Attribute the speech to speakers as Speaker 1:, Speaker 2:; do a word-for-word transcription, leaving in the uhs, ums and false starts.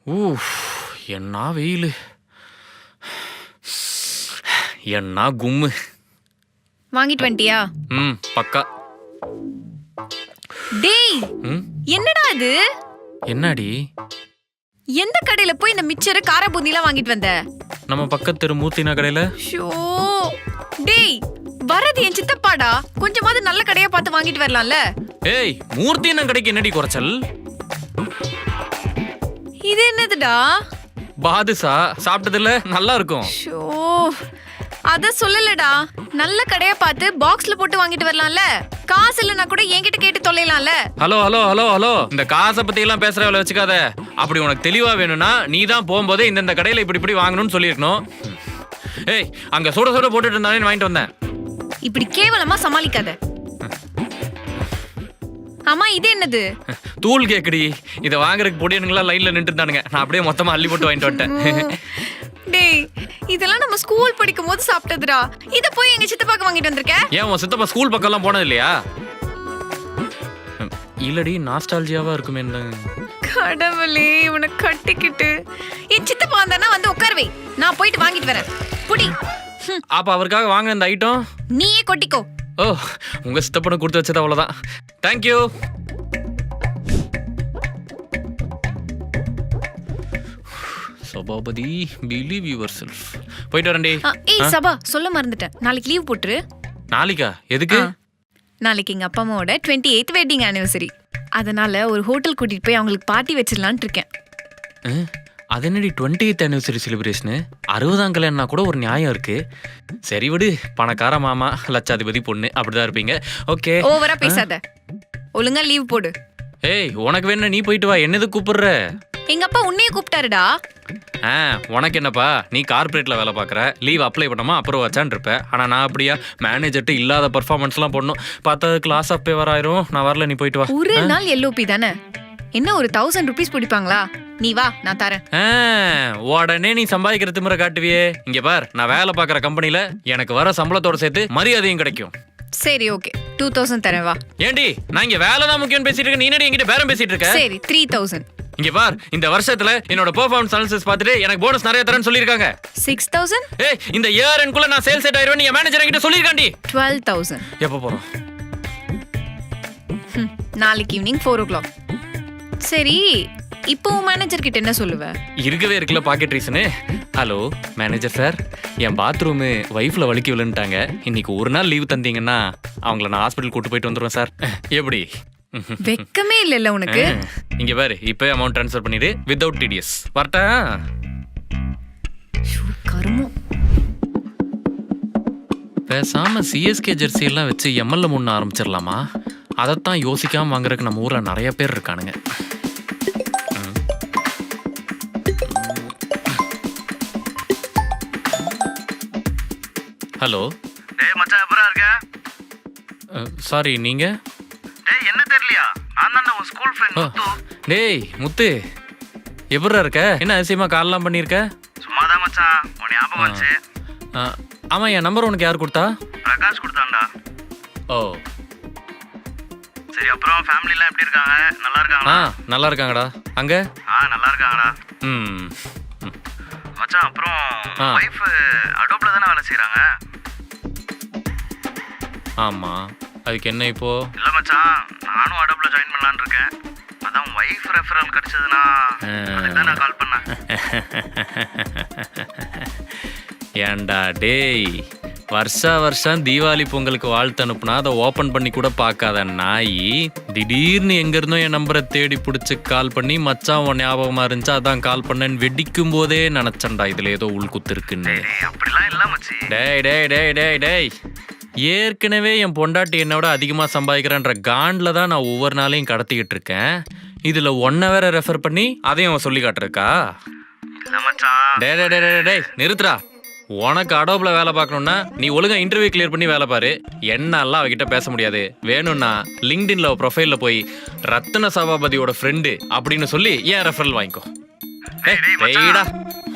Speaker 1: ஊஃப்! என்ன வெயிலு! என்ன கும்மு!
Speaker 2: வாங்கிட்டு வந்துட்டியா?
Speaker 1: ம் பக்கா.
Speaker 2: டேய்,
Speaker 1: ம்
Speaker 2: என்னடா இது?
Speaker 1: என்னடி?
Speaker 2: எந்த கடையில போய் இந்த மிச்சர் கார பூந்திலாம் வாங்கிட்டு வந்த?
Speaker 1: நம்ம பக்கத்து தெரு மூர்த்தினா கடையில.
Speaker 2: ஷோ! டேய், வரது என் சித்தப்பாடா. கொஞ்சமாவது நல்ல கடையா பார்த்து வாங்கிட்டு வரலாம்ல?
Speaker 1: ஏய், மூர்த்தினா கடைக்கு என்னடி குறைச்சல்?
Speaker 2: இது என்னதுடா?
Speaker 1: பாதுஷா சாப்பிட்டதில்ல, நல்லா இருக்கும்.
Speaker 2: ஷோ! அத சொல்லலடா. நல்ல கடையா பார்த்து பாக்ஸ்ல போட்டு வாங்கிட்டு வரலாம்ல? காசு இல்லனா கூட என்கிட்ட கேட்டு தொலைலாம்ல?
Speaker 1: ஹலோ ஹலோ ஹலோ ஹலோ இந்த காசை பத்தி எல்லாம் பேசுற வேலை வச்சுக்காத. அப்படி உனக்கு தெளிவா வேணும்னா நீ தான் போகும்போதே இந்த கடையில இப்படி இப்படி வாங்கணும்னு சொல்லியிருக்கணும். ஏய், அங்க சுட சுட போட்டுட்டு இருந்தானே வாங்கிட்டு வந்தேன்.
Speaker 2: இப்படி கேவலமா சமாளிக்காத. அம்மா, இது என்னது?
Speaker 1: தூள் கேக்குடி. இதை வாங்குறதுக்கு பொடியனுங்களா லைன்ல நின்று இருந்தானுங்க. நான் அப்படியே மொத்தமா அள்ளி போட்டு வாங்கிட்டு வந்துட்டேன்.
Speaker 2: டேய், இதெல்லாம் நம்ம ஸ்கூல் படிக்கும் போது சாப்பிட்டதுடா. இத போய் எங்க சித்தப்பாக்கு வாங்கிட்டு வந்திருக்க?
Speaker 1: ஏன் உன் சித்தப்பா ஸ்கூல் பக்கம் எல்லாம் போனது இல்லையா? இல்லடி, நாஸ்டாலஜியாவா இருக்குமே.
Speaker 2: கடவுளே, இவனை கட்டிக்கிட்டு என் சித்தப்பா வந்தானா வந்து உட்காருவே. நான் போயிட்டு வாங்கிட்டு வரேன். புடி.
Speaker 1: அப்ப அவருக்காக வாங்க இந்த ஐட்டம்
Speaker 2: நீயே கொட்டிக்கோ.
Speaker 1: ஓ, உங்க சித்தப்பனை கொடுத்து வச்சது அவ்வளவுதான். Thank you. Sabapathi, believe yourself. போயிட்டு வரேன்டி.
Speaker 2: ஏய் சபா, சொல்ல மறந்துட்டேன். நாளைக்கு லீவ் போட்டுரு.
Speaker 1: நாளைக்கா? எதுக்கு?
Speaker 2: நாளைக்கு எங்க அப்பா அம்மாவோட டுவெண்ட்டி எய்த் வெட்டிங் ஆனிவர்சரி. அதனால ஒரு ஹோட்டல் கூட்டிட்டு போய் அவங்களுக்கு பார்ட்டி வச்சிடலான்னு இருக்கேன்.
Speaker 1: அது என்னடி டுவெண்ட்டி எய்த் ஆனிவர்சரி செலிப்ரேஷனு? அறுபதாம் கல்யாணம்னா கூட ஒரு நியாயம் இருக்கு. சரி விடு, பணக்கார மாமா, லட்சாதிபதி பொண்ணு, அப்படிதான் இருப்பீங்க. ஓகே,
Speaker 2: ஓவரா பேசாத. ஒழுங்கா லீவ் போடு.
Speaker 1: ஏய், உனக்கு வேணா நீ போயிட்டு வா. என்னது கூப்பிடுற?
Speaker 2: எங்க அப்பா உன்னையே கூப்பிட்டாருடா.
Speaker 1: ஆ, உனக்கு என்னப்பா, நீ கார்பரேட்ல வேலை பார்க்குற. லீவ் அப்ளை பண்ணாமா அப்புறம் வச்சான் இருப்ப. ஆனா நான் அப்படியா? மேனேஜர்ட்டு இல்லாத பர்ஃபார்மன்ஸ்லாம் பண்ணணும். பார்த்தா கிளாஸ் அப்பே வராயிரும். நான் வரல, நீ போயிட்டு வா.
Speaker 2: ஒரு நாள் எல்ஓபி தானே, என்ன ஒரு தௌசண்ட் ருபீஸ் பிடிப்பாங்களா? நீ வா, நான் தரேன்.
Speaker 1: உடனே நீ சம்பாதிக்கிற திமிர காட்டுவியே. இங்க பார், நான் வேலை பார்க்குற கம்பெனில எனக்கு வர சம்பளத்தோட சேர்த்து மரியாதையும் கிடைக்கும்.
Speaker 2: சரி, ஓகே, டூ தௌசண்ட் தரேன், வா.
Speaker 1: ஏண்டி, நான் இங்க வேலை தான் முக்கியம் பேசிட்டு இருக்கேன். நீ என்னடி என்கிட்ட பேரம் பேசிட்டு இருக்க?
Speaker 2: சரி, த்ரீ தௌசண்ட்.
Speaker 1: இங்க பார், இந்த வருஷத்துல என்னோட பெர்ஃபார்மன்ஸ் அனாலிசிஸ் பார்த்துட்டு எனக்கு போனஸ் நிறைய தரேன்னு சொல்லிருக்காங்க.
Speaker 2: Six thousand.
Speaker 1: ஏய், இந்த இயர் எண்ட்குள்ள நான் சேல்ஸ் செட் ஆயிருவேன். நீ மேனேஜர் என்கிட்ட சொல்லிருக்காண்டி.
Speaker 2: Twelve thousand.
Speaker 1: எப்போ போறோம்?
Speaker 2: நாளைக்கு ஈவினிங் ஃபோர் ஓ கிளாக். சரி, இப்போ மேனேஜர் கிட்ட என்ன சொல்லுவ?
Speaker 1: இருக்கவே இருக்குல்ல pocket reason. Hello manager sir, என் பாத்ரூமு வைஃப்ல வலிக்கி விழுந்துட்டாங்க. இன்னைக்கு ஒரு நாள் லீவ் தந்தீங்கன்னா அவங்கள நான் ஹாஸ்பிட்டல் கூட்டு போயிட்டு வந்துடுவேன் சார். எப்படி?
Speaker 2: வெக்கமே இல்லைல்ல உனக்கு?
Speaker 1: இங்க பாரு, இப்போ அமௌண்ட் ட்ரான்ஸ்ஃபர் பண்ணிடு வித்வுட் டிடிஎஸ். வரட்டா?
Speaker 2: கருமம்.
Speaker 1: பேசாம சிஎஸ்கே ஜெர்சி எல்லாம் வச்சு எம்எல்ஏ முன்ன ஆரம்பிச்சிடலாமா? அதைத்தான் யோசிக்காம வாங்குறதுக்கு நம்ம ஊர்ல நிறைய பேர் இருக்கானுங்க. ஹலோ.
Speaker 3: டேய் மச்சான், எப்பரா இருக்க?
Speaker 1: சாரி, நீங்க?
Speaker 3: டேய், என்ன தெரியலையா? நான் தான் உன் ஸ்கூல் ஃப்ரெண்ட் முத்து.
Speaker 1: டேய் முத்து, எப்படிடா இருக்க? என்ன அதிசயமா கால்லாம் பண்ணியிருக்க?
Speaker 3: சும்மா தான் மச்சான், உன் ஞாபகம் வச்சு.
Speaker 1: ஆமா, என் நம்பர் உனக்கு யார் கொடுத்தா?
Speaker 3: பிரகாஷ் கொடுத்தான்டா.
Speaker 1: ஓ
Speaker 3: சரி, அப்புறம் ஃபேமிலிலாம் எப்படி இருக்காங்க? நல்லா இருக்காங்களா?
Speaker 1: ஆ, நல்லா இருக்காங்கடா. அங்க?
Speaker 3: ஆ, நல்லா இருக்காங்கடா.
Speaker 1: ம்
Speaker 3: மச்சான், அப்புறம் வைஃப் அடோப்ல தானே வேலை செய்றாங்க?
Speaker 1: ஆமா, அதுக்கு என்ன இப்போ?
Speaker 3: இல்ல மச்சான், நானும் அடோப்ல ஜாயின் பண்ணலான்னு இருக்கேன். அதான் வைஃப் ரெஃபரல் கிடைச்சதுன்னா அதுக்கு நான் கால் பண்ணேன்.
Speaker 1: ஏண்டா டேய், வருஷா வருஷம் தீபாவளி பொங்கலுக்கு வாழ்த்து அனுப்புனா அதை ஓப்பன் பண்ணி கூட பார்க்காத நாய், திடீர்னு எங்க இருந்தோ என் நம்பரை தேடி பிடிச்சி கால் பண்ணி மச்சான் உன் ஞாபகமா இருந்துச்சு அதான் கால் பண்ணேன்னு வெடிக்கும் போதே நினைச்சேன்டா இதுல ஏதோ உள்குத்து இருக்குன்னு.
Speaker 3: அப்படிலாம் இல்ல மச்சி.
Speaker 1: டேய் டேய் டேய் டேய் டேய் ஏற்கனவே என் பொண்டாட்டி என்னோட அதிகமா சம்பாதிக்கிறேன்ற காண்டில் தான் நான் ஒவ்வொரு நாளையும் கடத்திக்கிட்டு இருக்கேன். இதுல ஒன்ன வேற ரெஃபர் பண்ணி அதையும் அவன் சொல்லி காட்டுருக்கா?
Speaker 3: இல்ல மச்சான்.
Speaker 1: டே டே டே டே நிறுத்துறா. உனக்கு அடோப்ல வேலை பார்க்கணும்னா நீ ஒழுங்கா இன்டர்வியூ கிளியர் பண்ணி வேலை பாரு. என்னெல்லாம் அவகிட்ட பேச முடியாது. வேணும்னா லிங்க்டின்ல ப்ரொஃபைல்ல போய் ரத்ன சபாபதியோட ஃப்ரெண்டு அப்படின்னு சொல்லி ஏன் ரெஃபரல் வாங்கிக்கோ. டேய்டா.